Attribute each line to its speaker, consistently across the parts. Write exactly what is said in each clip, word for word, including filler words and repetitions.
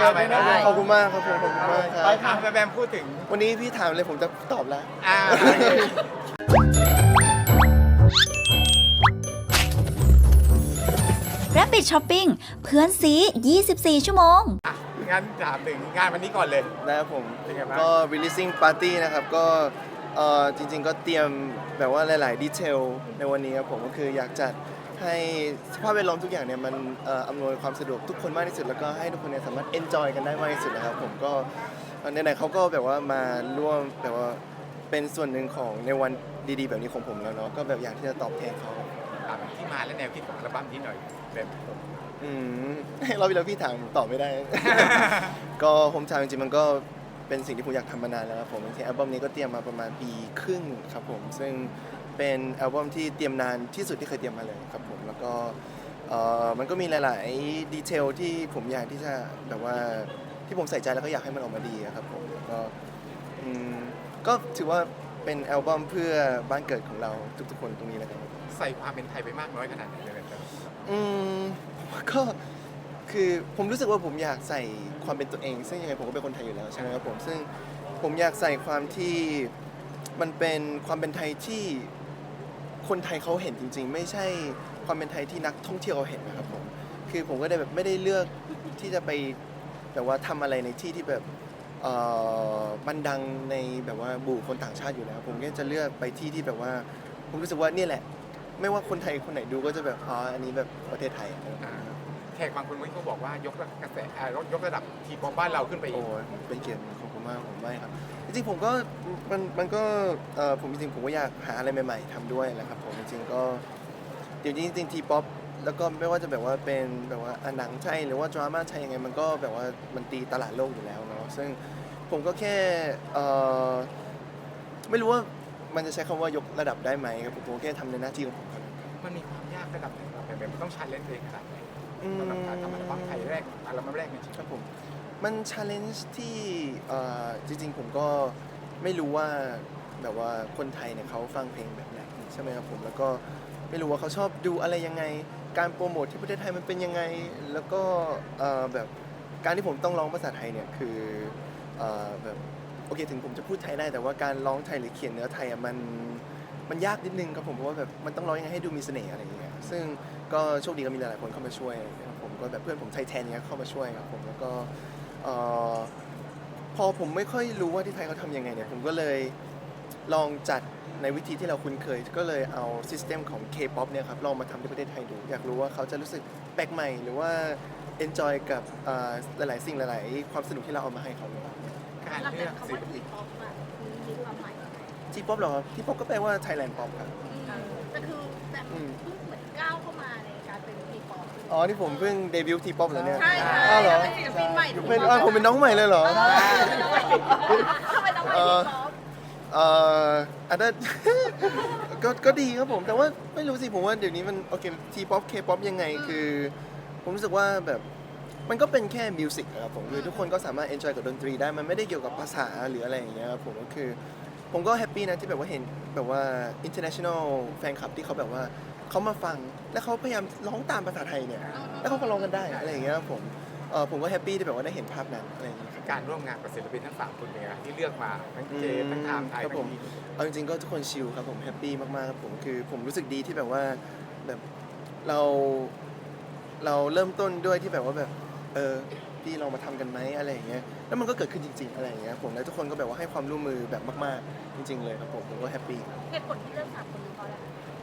Speaker 1: ด้วยนะขอบคุณมากครับผมขอบคุณมากครับ
Speaker 2: ไปถามแบมพูดถึง
Speaker 1: วันนี้พี่ถามเลยผมจะตอบแล้ว
Speaker 2: อ่า
Speaker 3: Rabbit Shopping เพื่อนซี ยี่สิบสี่ ชั่วโมง
Speaker 2: อ่ะงั้นถามถึงงานวันนี้ก่อนเลย
Speaker 1: นะครับผม
Speaker 2: เป็นไงบ้าง
Speaker 1: ก็ releasing party นะครับก็เอ่อจริงๆก็เตรียมแบบว่าหลายๆดีเทลในวันนี้ครับผมก็คืออยากจัดให้สภาพแวดล้อมทุกอย่างเนี่ยมันเอ่ออำนวยความสะดวกทุกคนมากที่สุดแล้วก็ให้ทุกคนเนี่ยสามารถ enjoy กันได้มากที่สุดนะครับผมก็ในไหนๆเขาก็แบบว่ามาร่วมแบบว่าเป็นส่วนหนึ่งของในวันดีๆ แบบนี้ของผมแล้วเนาะก็แบบอยากที่จะตอบแทนเขา
Speaker 2: ถามที่มาและแนวคิดของอัลบั้มนี้หน่อยแบบ
Speaker 1: อืม เราเวลาพี่ถามผมตอบไม่ได้ ก็ผมถามจริงๆมันก็เป็นสิ่งที่ผมอยากทำมานานแล้วครับผมจริงๆอัลบั้มนี้ก็เตรียมมาประมาณปีครึ่งครับผมซึ่งเป็นอัลบั้มที่เตรียมนานที่สุดที่เคยเตรียมมาเลยครับผมแล้วก็เอ่อมันก็มีหลายๆดีเทลที่ผมอยากที่จะแบบว่าที่ผมใส่ใจแล้วก็อยากให้มันออกมาดีอะครับผมแล้วก็อืมก็ถือว่าเป็นอัลบั้มเพื่อบ้านเกิดของเราทุกๆคนตรงนี้นะครับ
Speaker 2: ใส่ความเป็นไทยไปมากน้อยขนาดไหนเลยแบบ
Speaker 1: อืมก็คือผมรู้สึกว่าผมอยากใส่ความเป็นตัวเอง ซึ่งยังไงผมก็เป็นคนไทยอยู่แล้วใช่ไหมครับผมซึ่งผมอยากใส่ความที่มันเป็นความเป็นไทยที่คนไทยเขาเห็นจริงๆ ไม่ใช่ความเป็นไทยที่นักท่องเที่ยวเขาเห็นนะครับผมคือผมก็ได้แบบไม่ได้เลือกที่จะไปแบบว่าทำอะไรในที่ที่แบบเอ่อมันดังในแบบว่าบุคคลต่างชาติอยู่แล้วผมก็จะเลือกไปที่ที่แบบว่าผมรู้สึกว่าเนี่ยแหละ ไม่ว่าคนไทยคนไหนดูก็จะแบบอ๋ออันนี้แบบประเทศไทยอะ
Speaker 2: อ่าแขกบางคนเขาบอกว่ายกระกระแสอ่ายกระดับทีป๊อปบ้านเราขึ้นไปอี
Speaker 1: โอ้
Speaker 2: ก
Speaker 1: ยเป็นเกียรติของผมมากผมไม่ครับจริงๆผมก็มันมันก็เอ่อผมจริงๆผมก็อยากหาอะไรใหม่ๆทำด้วยแหละครับผมจริงๆก็เดี๋ยวนี้จริงๆทีป๊อปแล้วก็ไม่ว่าจะแบบว่าเป็นแบบว่าอ่ะหนังไทยหรือว่าดราม่าไทยยังไงมันก็แบบว่ามันตีตลาดโลกอยู่แล้วเนาะซึ่งผมก็แค่เอ่อไม่รู้ว่ามันจะใช้คำว่ายกระดับได้ไหมครับผมผมแค่ทำในหน้าที่ของผมครับ
Speaker 2: มันมีความยากระดับไหนครับแบบมันต้องชาเลนจ์เองขนาดไหน
Speaker 1: อืม
Speaker 2: สำหรับการทำอัลบั้มไทยแรกอัลบั้มแรกในชีวิต
Speaker 1: ครับผมมันชาเลนจ์ที่เอ่อจริงๆผมก็ไม่รู้ว่าแบบว่าคนไทยเนี่ยเขาฟังเพลงแบบไหนใช่ไหมครับผมแล้วก็ไม่รู้ว่าเขาชอบดูอะไรยังไงการโปรโมทที่ประเทศไทยมันเป็นยังไงแล้วก็เอ่อแบบการที่ผมต้องร้องภาษาไทยเนี่ยคือเอ่อแบบโอเคถึงผมจะพูดไทยได้แต่ว่าการร้องไทยหรือเขียนเนื้อไทยอ่ะมันมันยากนิดนึงครับผมเพราะว่าแบบมันต้องร้องยังไงให้ดูมีเสน่ห์อะไรอย่างเงี้ยซึ่งก็โชคดีก็มีหลายๆคนเข้ามาช่วยครับผมก็แบบเพื่อนผมไทยแทนเนี้ยเข้ามาช่วยครับผมแล้วก็เอ่อพอผมไม่ค่อยรู้ว่าที่ไทยเขาทำยังไงเนี่ยผมก็เลยลองจัดในวิธีที่เราคุ้นเคย ก็เลยเอาซิสเต็มของ K-pop เนี่ยครับลองมาทำที่ประเทศไทยดู อยากรู้ว่าเขาจะรู้สึกแปลกใหม่หรือว่า enjoy กับเอ่อหลายๆสิ่งหลายๆความสนุกที่เราเอามาให้เขา
Speaker 2: การ
Speaker 4: หลัง
Speaker 2: เลื
Speaker 4: จา
Speaker 2: อก
Speaker 4: กคำ
Speaker 2: ศิ
Speaker 4: ว่า
Speaker 2: ล
Speaker 4: ที
Speaker 2: ปิน
Speaker 4: ป๊อปอะมีความหมายยังไง
Speaker 1: T-pop เหรอครับ T-pop ก็แปลว่า Thailand pop ครับ
Speaker 4: แต่คือแต่เพิ่งเหมือนก้าวเข้ามาในการเป็นทีป๊อป
Speaker 1: อ๋อนี่ผมเพิ่งเดบิวต์ T-pop เหรอเนี่ย
Speaker 4: ใช่ใช่
Speaker 1: อ้าวเหรอ
Speaker 4: เป็นศิลปินใหม่
Speaker 1: เป็นอ้าวผมเป็นน้องใหม่เลยเหรอ
Speaker 4: ทำไมต้องไปทีป๊อป
Speaker 1: เอ่ออันนั้น ก็ก็ดีครับผมแต่ว่าไม่รู้สิผมว่าเดี๋ยวนี้มันโอเคทีป๊อปเคป๊อปยังไงคือ ผมรู้สึกว่าแบบมันก็เป็นแค่มิวสิกครับผมคือทุกคนก็สามารถเอนจอยกับดนตรีได้มันไม่ได้เกี่ยวกับภาษาหรืออะไรอย่างเงี้ยครับผมก็คือ ผมก็แฮปปี้นะที่แบบว่าเห็นแบบว่า international แฟนคลับที่เขาแบบว่าเขามาฟังแล้วเขาพยายามร้องตามภาษาไทยเนี่ยแล้วเขาก็ร้องกันได้อะไรอย่างเงี้ยครับผมเออผมก็แฮปปี้ที่แบบว่าได้เห็นภาพนั้นอะไรอย่างเงี้ยครับ
Speaker 2: การร่วมงานกับศิลปินทั้งสามคนเป็นไงครับที่เลือกมาทั้งเจทั้งไทม์ไทย
Speaker 1: ครับ
Speaker 2: ทั้
Speaker 1: ผ
Speaker 2: ง
Speaker 1: ม
Speaker 2: นี้
Speaker 1: เอาจริงๆก็ทุกคนชิลครับผมแฮปปี้มากๆครับผมคือผมรู้สึกดีที่แบบว่าแบบเราเราเริ่มต้นด้วยที่แบบว่าแบบเออพี่ลองมาทำกันไหมอะไรอย่างเงี้ยแล้วมันก็เกิดขึ้นจริง ๆ อะไรอย่างเงี้ยผมแล้วทุกคนก็แบบว่าให้ความร่วมมือแบบมากๆจริง ๆ เลยครับผมผมก็แฮปปี้
Speaker 4: เหตุผลที่เลือกสามคนนี้เพราะอะไร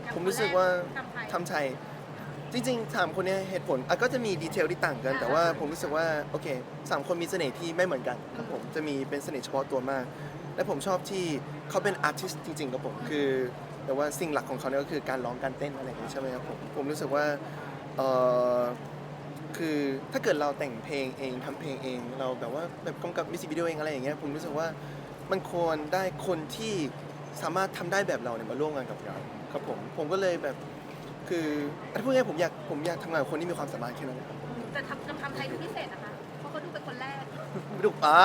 Speaker 1: ผมรู้สึกว่า
Speaker 4: ทำไทย
Speaker 1: ทำไทยจริงๆถามคนเนี้ยเหตุผลอ่ะก็จะมีดีเทลที่ต่างกัน แต่ว่าผมรู้สึกว่าโอเคสามคนมีเสน่ห์ที่ไม่เหมือนกันครับผมจะมีเป็นเสน่ห์เฉพาะตัวมาก และผมชอบที่เขาเป็นอาร์ติสต์จริงๆครับผมคือแต่ว่าสิ่งหลักของเขาเนี่ยก็คือการร้องการเต้นอะไรอย่างนี้ใช่ไหมครับผมผมรู้สึกว่าเออคือถ้าเกิดเราแต่งเพลงเองทำเพลงเอง เราแบบว่าแบบกำกับมิวสิกวิดีโอเองอะไรอย่างเงี้ยผมรู้สึกว่ามันควรได้คนที่สามารถทำได้แบบเราเนี่ยมาร่วมงานกับเราครับผมผมก็เลยแบบคือถ้าพูดง่ายๆผมอยากผมอยากทำงานกับคนที่มีความสามารถแค่นั้นนะครับ
Speaker 4: แต่ทำทำไทยดูพิเศษนะคะ เพราะเขาดูเป็นคนแรก
Speaker 1: ดูอ่า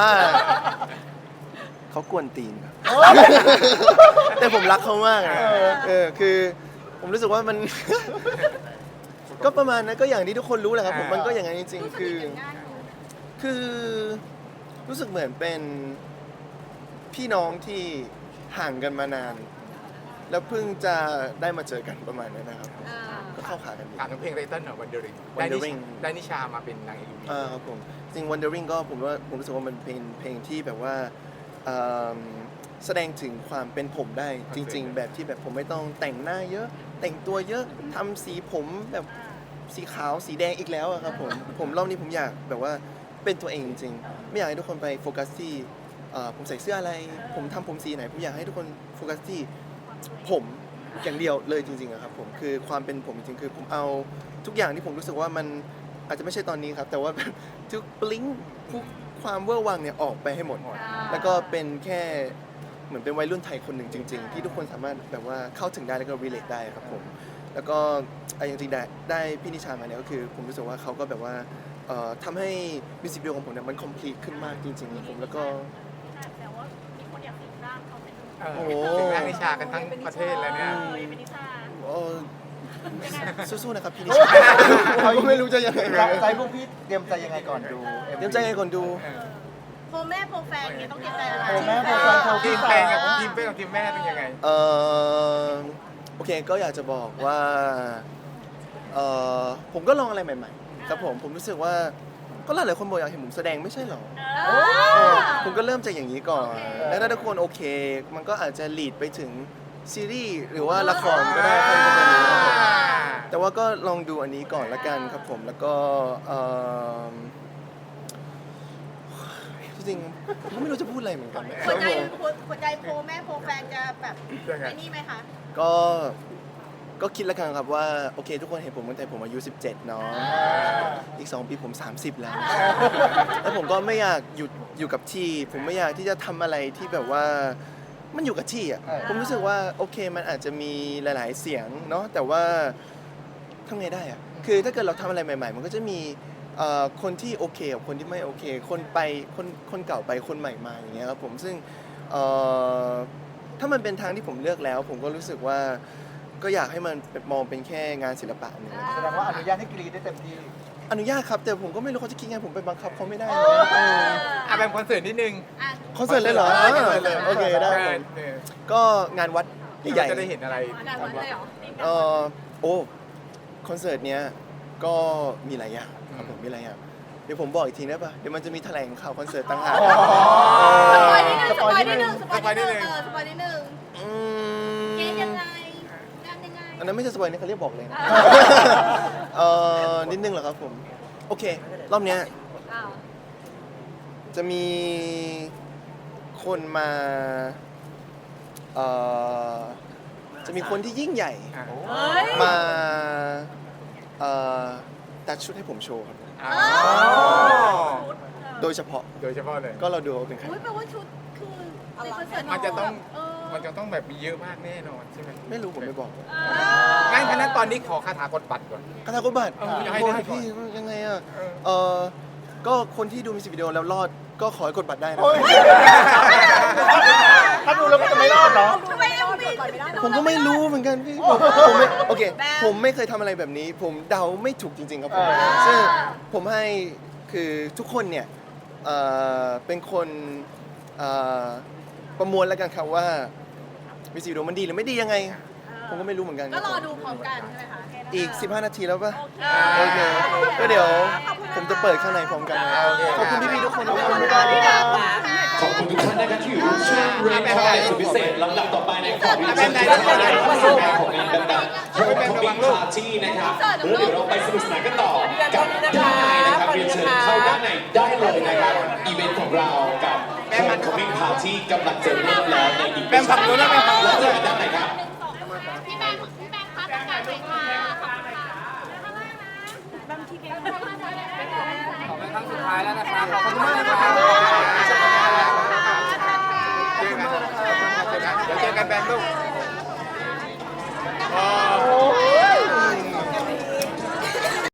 Speaker 1: เขากวนตีนครับ แต่ผมรักเขามากอะเออคือผมรู้สึกว่ามัน ก็ประมาณนั้นก็อย่างที่ทุกคนรู้แหละครับผมมันก็อย่างนั้นจริงๆคือคือรู้สึกเหมือนเป็นพี่น้องที่ห่างกันมานาน แล้วเพิ่งจะได้มาเจอกันประมาณนั้นนะครับ
Speaker 4: อ่า
Speaker 1: ก็เข้าขากันดี
Speaker 2: ถามถึงเพลงไตเติ้ลหน่อย Wondering ได้นิ
Speaker 1: Wondering
Speaker 2: ได้นิชามาเป็นนางเอก
Speaker 1: อ่าครับผมจริง Wondering ก็ผมว่าผมรู้สึกว่ามันเป็นเพลงที่แบบว่าเอิ่มแสดงถึงความเป็นผมได้จริง ๆ แบบที่แบบผมไม่ต้องแต่งหน้าเยอะ แต่งตัวเยอะทำสีผมแบบสีขาวสีแดงอีกแล้วอะครับผมผมรอบนี้ผมอยากแบบว่าเป็นตัวเองจริงๆไม่อยากให้ทุกคนไปโฟกัสที่เอ่อผมใส่เสื้ออะไร ผมทำผมสีไหนผมอยากให้ทุกคนโฟกัสที่ผมอย่างเดียวเลยจริงๆอะครับผมคือความเป็นผมจริงๆคือผมเอาทุกอย่างที่ผมรู้สึกว่ามันอาจจะไม่ใช่ตอนนี้ครับ แต่ว่าแบบทุกบลิงทุกความเวอร์วังเนี่ยออกไปให้หมด แล้วก็เป็นแค่เหมือนเป็นวัยรุ่นไทยคนหนึ่งจริง ๆ ที่ทุกคนสามารถแบบว่าเข้าถึงได้แล้วก็ relate ได้ครับผมแล้วก็ไอ้จริงๆได้ได้พี่นิชามาเนี่ยก็คือผมรู้สึกว่าเขาก็แบบว่าเอ่อทำให้มิวสิกวิดีโอของผมเนี่ยมัน complete ขึ้นมากจริงๆครับผมแล้วก็
Speaker 4: แต่ว่ามีคนอยากสิงร่างเขาเป็น
Speaker 2: เออ
Speaker 1: โอ้โห
Speaker 2: ถึงนางนิชากันทั้งประเทศแล้วเนี่ย
Speaker 4: เออเป็นนิชา
Speaker 1: เอ่อสู้ๆนะครับพี่นิชาเขาก็ไม่รู้จะยังไง
Speaker 5: ใจพวกพี่เตรียมใจยังไงก่อนดู
Speaker 1: เตรียมใจไงก่อนดู
Speaker 4: โปรแม่โปรแฟนเนี่ยต้องเตรียมใจอะไร
Speaker 5: โปรแม่โปรแฟนโปร
Speaker 2: ที
Speaker 5: พี่
Speaker 2: ม
Speaker 5: สา
Speaker 2: แฟนกับทีมเป้กับทีมแม่เป็นยังไง
Speaker 1: เออโอเคก็อยากจะบอกว่าเออผมก็ลองอะไรใหม่ๆครับผมผมรู้สึกว่าก็หลายๆคนบอกอยากเห็นผมแสดงไม่ใช่หรอ
Speaker 4: เออ
Speaker 1: เออผมก็เริ่มจากอย่างนี้ก่อน แล้วถ้าทุกคนโอเค มันก็อาจจะลีดไปถึงซีรีส์หรือว่าละครก็ได้ใครจะไปรู้แต่ว่าก็ลองดูอันนี้ก่อนละกันครับผมแล้วก็เอิ่มจริงๆผมก็ไม่รู้จะพูดอะไรเหมือนกันนะค
Speaker 4: หัว
Speaker 1: รับ
Speaker 4: ใจ
Speaker 1: ผม
Speaker 4: หัวใจโปรแม่โปรแฟนจะแบบ
Speaker 2: ยังไง
Speaker 4: ไอ้นี่ไหมคะ
Speaker 1: ก็ก็คิดแล้วกันครับว่าโอเคทุกคนเห็นผมตั้งแต่ผมอายุสิบเจ็ดเนาะอีกสองปีผมสามสิบแล้ว แล้วผมก็ไม่อยากหยุดอยู่กับที่ ผมไม่อยากที่จะทำอะไรที่แบบว่ามันอยู่กับที่อ่ะผมรู้สึกว่าโอเคมันอาจจะมีหลายๆเสียงเนาะแต่ว่าทำไงได้อ่ะคือถ้าเกิดเราทำอะไรใหม่ๆ มันก็จะมีเอ่อคนที่โอเคกับคนที่ไม่โอเค คนไปคนคนเก่าไปคนใหม่มาอย่างเงี้ยครับผมซึ่งเอ่อถ้ามันเป็นทางที่ผมเลือกแล้ว ผมก็รู้สึกว่าก็อยากให้มันมองเป็นแค่งานศิลปะหนึ่ง
Speaker 5: แสดงว่าอนุญาตให้กรีดได้เต็มที่
Speaker 1: อนุญาตครับแต่ผมก็ไม่รู้เขาจะคิดไงผมไปบังคับเขาไม่ได้
Speaker 4: เอ
Speaker 1: นะ
Speaker 4: อ
Speaker 1: เออ
Speaker 2: อ่ะเป็นคอนเสิร์ตนิดนึง
Speaker 4: อ่ะ
Speaker 1: คอนเสิร์ตเลยเหรอ
Speaker 2: คอนเสิร์ตเลย
Speaker 1: โอเคได้ผม
Speaker 2: เออ
Speaker 1: ก็งานวัดใหญ่
Speaker 2: เราจะได้เห็นอะไร
Speaker 4: งานวันเลยเหรอ
Speaker 1: ๆเออโอ้คอนเสิร์ตเนี้ยก็มีหลายอย่างครับผมมีหลายอย่างเดี๋ยวผมบอกอีกทีได้ปะเดี๋ยวมันจะมีแถลงข่าวคอนเสิร์ตต่างหาก
Speaker 4: สปอยนิดนึงสปอยนิดนึงสปอยนิดนึงเออสปอยนิดนึง
Speaker 1: อื
Speaker 4: เกณฑ์ยัง
Speaker 1: ม
Speaker 4: ไงงานยังไง
Speaker 1: อันนั้นไม่ใช่สปอยนะเขาเรียกบอกเลยนะ
Speaker 4: อ่า
Speaker 1: เออนิดนึงเหรอครับผมโอเครอบเนี้ย
Speaker 4: อ้าว
Speaker 1: จะมีคนมาเอ่อจะมีคนที่ยิ่งใหญ่
Speaker 2: อ่ะ
Speaker 4: เฮ้ย
Speaker 1: มาเอ่อตัดชุดให้ผมโชว์ครับ
Speaker 2: อ๋อ
Speaker 1: โดยเฉพาะ
Speaker 2: โดยเฉพาะเลย
Speaker 1: ก็เราดูว่าเป็นใคร
Speaker 4: อุ้ยแปลว่าชุดคือในคอนเสิร์ต
Speaker 2: มันจะต้อง
Speaker 4: เออ
Speaker 2: มันจะต้องแบบมีเยอะมากแน่นอนใช่ไหม
Speaker 1: ไม่รู้ผมไม่บอก
Speaker 4: เออ
Speaker 2: งั้นฉะนั้นตอนนี้ขอคาถากดบัตรก่อน
Speaker 1: กระทากบัตร
Speaker 2: เอออยากให้
Speaker 1: โอ้
Speaker 2: ได้
Speaker 1: ยพี่ยังไงอ่ะ
Speaker 2: เออ
Speaker 1: เออก็คนที่ดูมิวสิกวิดีโอแล้วรอดก็ขอให้กดบัตรได้นะ
Speaker 5: ถ้าดูแล้วมันจะไม่รอดเหรอ
Speaker 4: ทำไมเอ็มวี
Speaker 1: ผมก็ไม่รู้เหมือนกันพี่ผมผมไม่โอเค
Speaker 4: แบบ
Speaker 1: ผมไม่เคยทำอะไรแบบนี้ ผมเดาไม่ถูกจริง ๆ ครับผม
Speaker 5: อ่า
Speaker 1: ซึ่งผมให้คือทุกคนเนี่ยเอ่อเป็นคนเอ่อประมวลแล้วกันครับว่ามิวสิกวิดีโอมันดีหรือไม่ดียังไง ผมก็ไม่รู้เหมือนกัน
Speaker 4: ก็รอดูพร้อมกันใช่ไหมคะ
Speaker 1: อีก สิบห้า นาทีแล้วป่ะ
Speaker 4: โอ
Speaker 1: โอ
Speaker 4: เค
Speaker 1: เคก็เดี๋ยวผมจะเปิดข้างในพร้อมกันนะ
Speaker 2: โอเค
Speaker 1: ขอบคุณพี่ๆทุกคน
Speaker 4: ขอบ
Speaker 1: นะ
Speaker 4: คุณ
Speaker 1: ค
Speaker 4: ค่ะ
Speaker 1: รับ
Speaker 4: ที่ดาวค่ะ
Speaker 6: ขอบคุณทุกท่านนะครับที่อยู่ร่วมช่วงเรียนคอร์สุดพิเศษลำดับต่อไปในของ
Speaker 2: ไม่
Speaker 6: วิ
Speaker 2: เป็
Speaker 6: จั
Speaker 2: น
Speaker 6: ย
Speaker 2: ไร
Speaker 6: ที่
Speaker 2: ไม่
Speaker 6: ทำ
Speaker 2: เป็นไร
Speaker 6: งานของงานดังๆโฮมคอมมิ่งพาร์ตี้นะครับแล้วเดี๋ยวเราไปสนุกสนานกันต่อกับด้านในนะครับเรียนเชิญเข้าด้านในได้เลยนะครับอีเวนต์ของเรากับโฮมคอมมิ่งพาร์ตี้กำลังจะเริ่มแล้วในอีก
Speaker 2: แบมผักรู้แล้วไหมครับ
Speaker 6: แล้วเจอกันด้านในครับ
Speaker 4: พี่แบงค์พี่แบงค์คะประกาศหน่อยค่ะขอบคุณค่ะแบมทีเกม
Speaker 2: ครั้งสุดท้ายแล้วนะครับขอบคุณมาก